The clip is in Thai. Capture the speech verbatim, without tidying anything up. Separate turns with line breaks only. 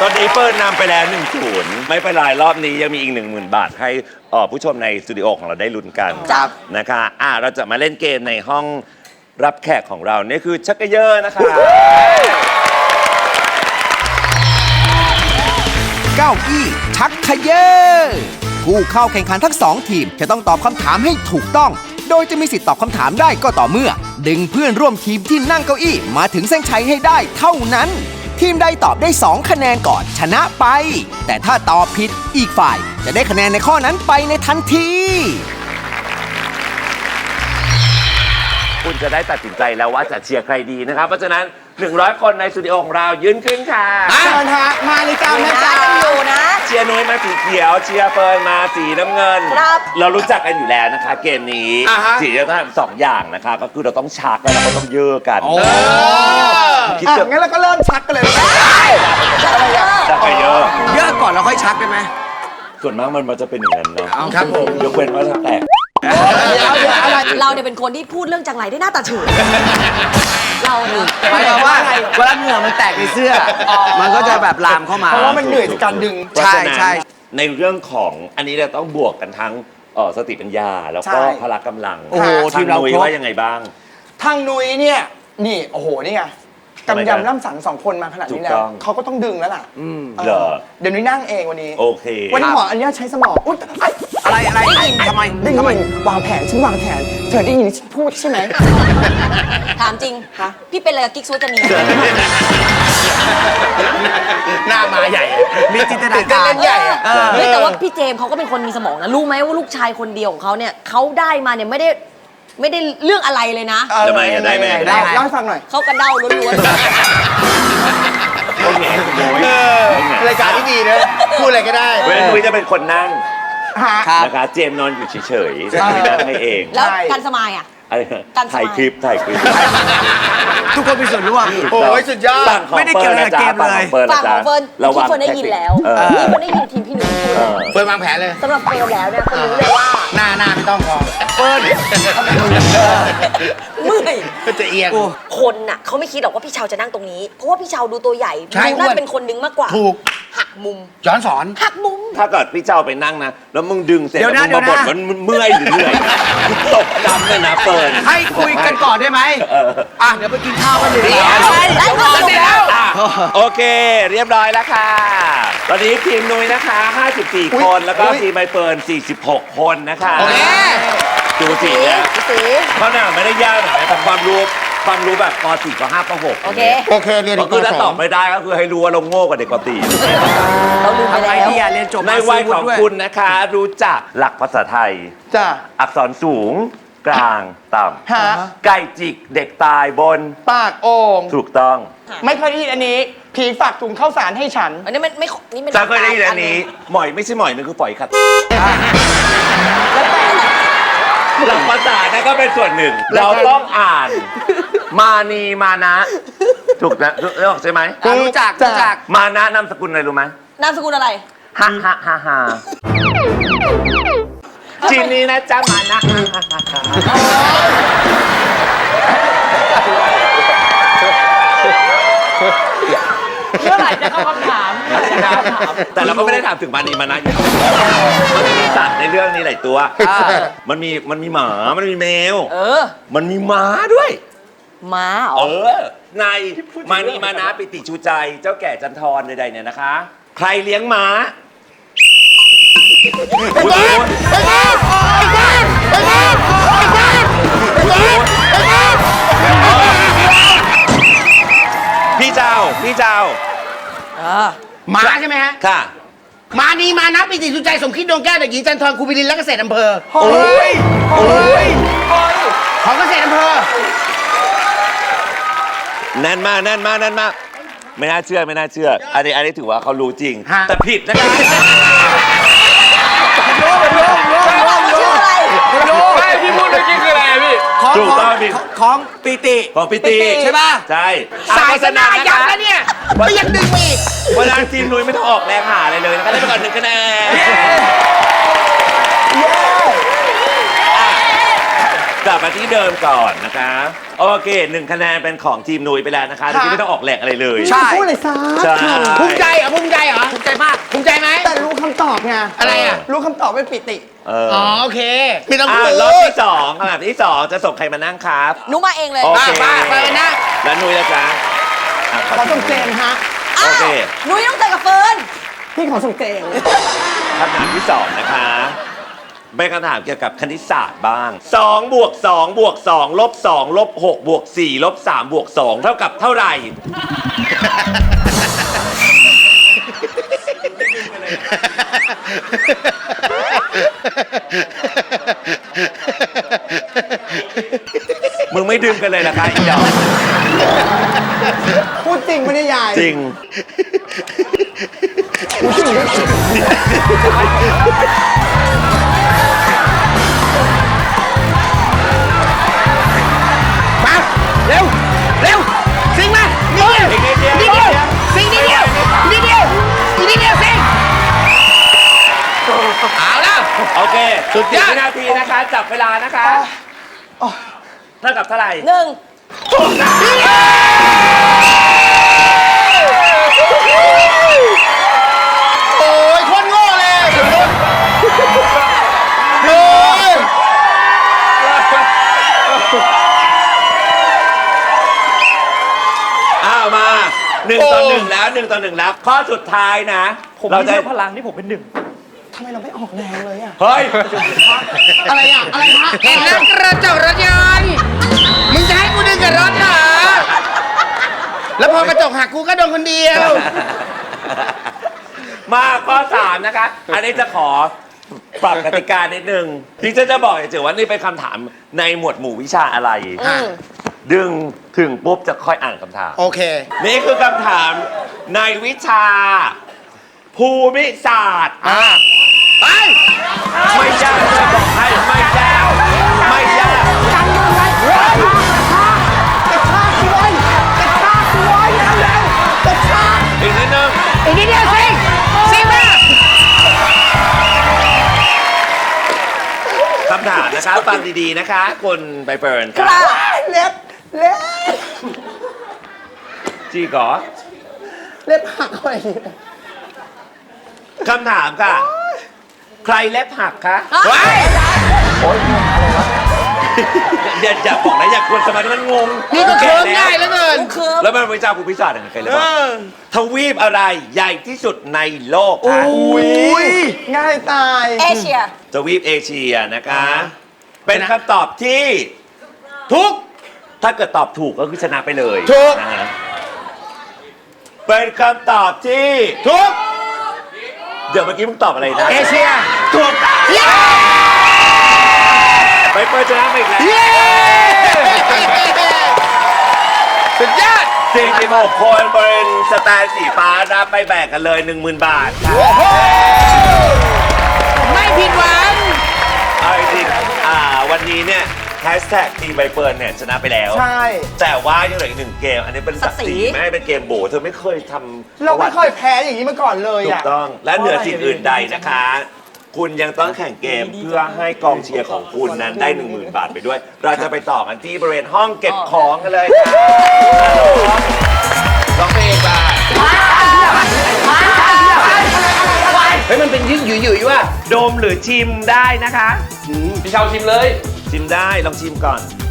ตอนนี้เปิดนำไปแล้วหนึ่งศูนย์ไม่เป็นไรรอบนี้ยังมีอีกหนึ่งหมื่นบาทให้ผู้ชมในสตูดิโอของเราได้ลุ้นกันนะคะอ่ะเราจะมาเล่นเกมในห้องรับแขกของเรานี่คือชักกะเยอะนะคะ
เก้าอี้ชักเขยอผู้เข้าแข่งขันทั้งสองทีมจะต้องตอบคำถามให้ถูกต้องโดยจะมีสิทธิ์ตอบคำถามได้ก็ต่อเมื่อดึงเพื่อนร่วมทีมที่นั่งเก้าอี้มาถึงเส้นชัยให้ได้เท่านั้นทีมใดตอบได้สองคะแนนก่อนชนะไปแต่ถ้าตอบผิดอีกฝ่ายจะได้คะแนนในข้อนั้นไปในทันที
คุณจะได้ตัดสินใจแล้วว่าจะเชียร์ใครดีนะครับเพราะฉะนั้นหนึ่งร้อยคนในสตูดิโอของเรายืนขึ้นค่ะ
เชิญฮะมาเลยจ้าแม่จ้า
อยู่นะ
เชียร์นุ้ยมาสีเขียวเชียร์เฟิร์นมาสีน้ำเงิน
ครับ
เรารู้จักกันอยู่แล้วนะคะเกมนี้สีจะต้องทำสองอย่างนะคะก็คือเราต้องชักแล้วเราก็ต้องเยอะกัน
คิดเถอะงั้นเราก็เริ่มชักกันเลย
ชักไปเยอะ
เยอะก่อนเราค่อยชักได้ไหม
ส่วนมากมันมันจะเป็นอย่างนั้นเนาะ
ครับผม
ยกเว้นว่าจะแตก
เราเนี่ยเป็นคนที่พูดเรื่องจังไรได้หน้าตาเฉยเราเนี่ย
หมายความว่าเวลาเหงื่อมันแตกในเสื้อมันก็จะแบบลามเข้ามาเพราะว่ามันเหนื่อยจากการดึง
ใช่ใช่ในเรื่องของอันนี้เราต้องบวกกันทั้งสติปัญญาแล้วก็พละกำลัง
โอ้โหทีมเรา
นุ้ยว่ายังไงบ้าง
ทางนุ้ยเนี่ยนี่โอ้โหนี่ไงกำยำล่ำสังสองคนมาขนาดนี้แล้วเขาก็ต้องดึงแล้วล่ะ
เหรอ
เดี๋ยวนุ้ยนั่งเองวันนี้
โอเค
วันนี้หมออันนี้ใช้สมองอุ๊ยอะไรอะไรทำไมได้ยินวางแผนฉันวางแผนเธอได้ยินฉันพูดใช่ไหม
ถามจริงคะพี่เป็นอะไรกับกิ๊กซูจะมี
หน้ามาใหญ่มีจินตนาการใหญ่
เฮ้ยแต่ว่าพี่เจมเขาก็เป็นคนมีสมองนะรู้ไหมว่าลูกชายคนเดียวของเขาเนี่ยเขาได้มาเนี่ยไม่ได้ไม่ได้เรื่องอะไรเลยนะ
ทำไมได้ไหม
ได้เล่าให้ฟังหน่อย
เขากระเด้าล้วน
ๆรายการที่ดีนะพูดอะไรก็ได้
เว้นนุ้ยจะเป็นคนนั่งนะคะเจมนอนอยู่เฉยๆไม่นั่งให้เอง
แล้วการสมายอ่ะ
ถ่ายคลิปถ่ายคลิป
ทุกคนมีส่วนร่วมโอ้ยสุดยอดไม่ได้เกี่ยวกับเกมเลย
ฝั่งของเฟิร์นที่เฟิร์นได้ยินแล้วที่เฟิร์นได้ยินทีมพี่หนุ่มพูด
เฟิร์นวางแผนเลย
สำหรับเฟิร์นแล้วเนี่ยคนรู้เลยว่า
หน้าหน้าไม่ต้องพอเฟิร์น
เมื่อย
ก็จะเอียง
คนน่ะเขาไม่คิดหรอกว่าพี่เชาจะนั่งตรงนี้เพราะว่าพี่เชาดูตัวใหญ่ดูน่าจะเป็นคนนึงมากกว่า
ถูก
หักมุม
ย้อนสอน
หักมุม
ถ้าเกิดพี่เจ้าไปนั่งนะแล้วมึงดึงเสร็จแล้วมึงมาบ่นมันเมื่อยหรือเหนื่อยตกดำเลยนะเฟิร์น
ให้คุยกันก่อนได้ไหมอ่ะเดี๋ยวไปกินข้าวกันเลย
ได้ก่อน
แล้วโอเคเรียบร้อยแล้วค่ะตอนนี้ทีมนุ้ยนะคะห้าสิบสี่คนแล้วก็ทีมใบเฟิร์นสี่สิบหกคนนะคะ
โอเค
ดูสิเนี่ยเขาเนี่ยไม่ได้ยากหรอกแต่ความรู้ความรู้แบบป .สี่ ป .ห้า ป .หก
โอเค
โอเคเรียน
ก็คือถ้าตอบไม่ได้ก็คือให้รู้ว่าเราโง่กว่าเด็กป .สี่
เราลืมไปแล้ว
เรียนจบ
ในวัยของคุณนะคะรู้จักหลักภาษาไทย
จ้ะ
อักษรสูงกลางต่ำไก่จิกเด็กตายบน
ปากโอ่ง
ถูกต้อง
ไม่เคยได้ยินอันนี้ผีฝากถุงข้าวสารให้ฉัน
อันนี้มันไม่นี่มัน
จะเคยได้ยินอันนี้หมอยไม่ใช่หมอยมันคือปล่อยขัดหลักภาษานะก็เป็นส่วนหนึ่งเราต้องอ่านมานีมานะถูกนะรู้ใช่ไหม
รู้จักรู้จัก
มานะนามสกุลอะไรรู้ไหม
นามสกุลอะไร
ฮ่าฮ่าฮ่าฮ่าจีนนี้นะจ๊ะมานะ
เมื่อไหร่จะเข้าคำถาม
แต่เราก็ไม่ได้ถามถึงมานีมานะอยู่มันมีสัตว์ในเรื่องนี้หลายตัวมันมีมันมีหมามันมีแมว
เออ
มันมีม้าด้วย
ม้า
เออในมานีมานะปิติชูใจเจ้าแก่จันทรใดๆเนี่ยนะคะใครเลี้ยงม้าไอ้บ้านไอ้บ้านไอ้บ้านไอ้บ้านไอ้บ้านไอ้บ้านไอ้บ้านพี่เจ้าพี่เจ้า
ม้าใช่ไหมฮะ
ค่ะ
มานีมานะปิติสุใจสมคิดดวงแก้วเด็กหญิงจันทร์ครูบิลินและเกษตรอำเภอ
โอ้ยโอ้ย
ของเกษตรอำเภอ
แน่นมากแน่นมากแน่นมากไม่น่าเชื่อไม่น่าเชื่ออันนี้อันนี้ถือว่าเขารู้จริงแต่ผิดนะครับ
รู้รู้รู้รู้รู้
รู้
ไม่พี่พูดเมื่อกี้คืออะไรพี่ของของปิติ
ของปิติ
ใช่ป่ะ
ใช่
สายสนายักษ์แล้วเนี่ยไม่ยังดึงอีก
เวลาทีมนุ้ยไม่ต้องออกแรงหาอะไรเลยนะครับได้ไปก่อนหนึ่งคะแนนกลับมาที่เดิมก่อนนะคะ โอเคหนึ่งคะแนนเป็นของทีมนุ้ยไปแล้วนะคะโดยที่ไม่ต้องออกแหลกอะไรเลย
ใช่พูดเลยซะ
ใช่
ภูมิใจเหรอภูมิใจเหรอภูมิใจมากภูมิใจไหม
แต่รู้คำตอบไง
อะไรอ่ะ
รู้คำตอบเป็นปิติ
เออ
อ๋อโอเคไม่ต้อง
อ่ะ
พูด
รอบที่สองคำถามที่สองจะส่งใครมานั่งครับ
หนูมาเองเลย
โอเค
ป้าไปนะ
แล้วนุ้ยละจ๊ะอ่ะ
ขอส่งเจมส์ฮะ
อ้า
โอ
ว
เค
หนูต้องเจอกับเฟิร์น
พี่ขอส่งเจมส์
คำถามที่สองนะคะเป็นคำถามเกี่ยวกับคณิตศาสตร์บ้าง2บวก2บวก2ลบ2ลบ6บวก4ลบ3บวก2เท่ากับเท่าไหร่ มึงไม่ดึงกันเลยนะคะอีดอก
พูดจริงปะเนี่ยยาย
จริง
มาเร็วเร็วสิงมานี่เดียว
อีกนิดเดียว
นี่เดียวสิงนี่เดียวนี่เดียวนี่เดียวสิงเอาแล้ว
โอเค
สุดยอด
สิบวินาทีนะคะ จับเวลานะคะเท่ากับเท่าไหร่
หนึ่ง
โอ้ยคนโง่เลยโอ้ย
อ้าวมาหนึ่งต่อหนึ่งแล้วหนึ่งต่อหนึ่งแล้ว ข้อสุดท้ายนะ เราจะ
พลังที่ผมเป็นหนึ่งทำไมเราไม่ออกแรงเลยอะ
เฮ้ย
อะไรอะอะไรฮะ
เห็นแล้วกระจกรถยนต์มึงจะให้กูดึงกับรถเหรอแล้วพอกระจกหักกูก็โดนคนเดียว
มาข้อสามนะคะ อันนี้จะขอปรับกติกานิดนึงที่จะจะบอกเฉยๆว่านี่เป็นคำถามในหมวดหมู่วิชาอะไร ดึงถึงปุ๊บจะค่อยอ่านคำถาม
โอเค
นี่คือคำถามในวิชา ภูมิศาสตร์
อ่ะไป
ไม่ยากจะบอกให้ไม่ยากไม่ยาก
กันมันไว้กระชากกระชากด้วยกระชากด้วยแล้วแล้วกระชาก
อีกนิดนึง
อีกนิดเดียวสิงสิงมา
คำถามนะคะฟังดีๆนะคะคุณใบเฟิร์นค
ครั
รับ
บ
เล็บเล็บ
จีก่อ
เล็บหักอะไรอย่างเงี้ย
คำถามค่ะ ใครเล็บหักคะ
ไว้
อย่าอย่าบอกนะอย่าควรสมาธิมันงง
นี่ก็เคิร์ม
แก่
ง่ายเหลือเกิน
เคิร์ฟ
แล้วมันวิชาภูมิศาสตร์ยังไงใครเล็บ
เอ
หัก
อ
ทวีปอะไรใหญ่ที่สุดในโลกคะ
อุ้ยง่ายตาย
เอเชีย
ทวีปเอเชียนะคะ เป็นคำตอบที่
ทุก
ถ้าเกิดตอบถูกก็คือชนะไปเลย
ถูก
นะฮะเป็นคำตอบที่
ทุก
เดี๋ยวเมื่อกี้มึงตอบอะไรนะ
เอเชีย
ถูกต้องไปเปิดชนะไปอีกแล้ว
เย้สุดยอด
สี่สิบหกคนบริเวณสแตนสีฟ้ารับไปแบ่งกันเลย หนึ่งหมื่น บาทค่ะ
โอ้โหไม่ผิดหวัง
เอาจริงๆอ่าวันนี้เนี่ยแฮชแท็กทีมใบเฟิร์นเนี่ยชนะไปแล้ว
ใช่
แต่ว่ายังเหลืออีกหนึ่งเกม อันนี้เป็นศักดิ์ศรี
ศักดิ์ศรี
ไม่ให้เป็นเกมโบเธอไม่เคยทำ
เราไม่เคยแพ้อย่างนี้มาก่อนเลย
ถูก
อ่ะ
ต้อง และเหนือสิ่งอื่นใดนะคะ คุณยังต้องแข่งเกมเพื่อให้กองเชียร์ของคุณนั้นได้ หนึ่งหมื่น บาทไปด้วย เราจะไปต่อกันที่บริเวณห้องเก็บของกันเลยค่ะลองเพลงไป
เฮ้ยมันเป็นยืดหยุ่ยๆว่ะ
ดมหรือชิมได้นะคะ
พี่เชาชิมเลย
ชิมได้ลองชิมก่อน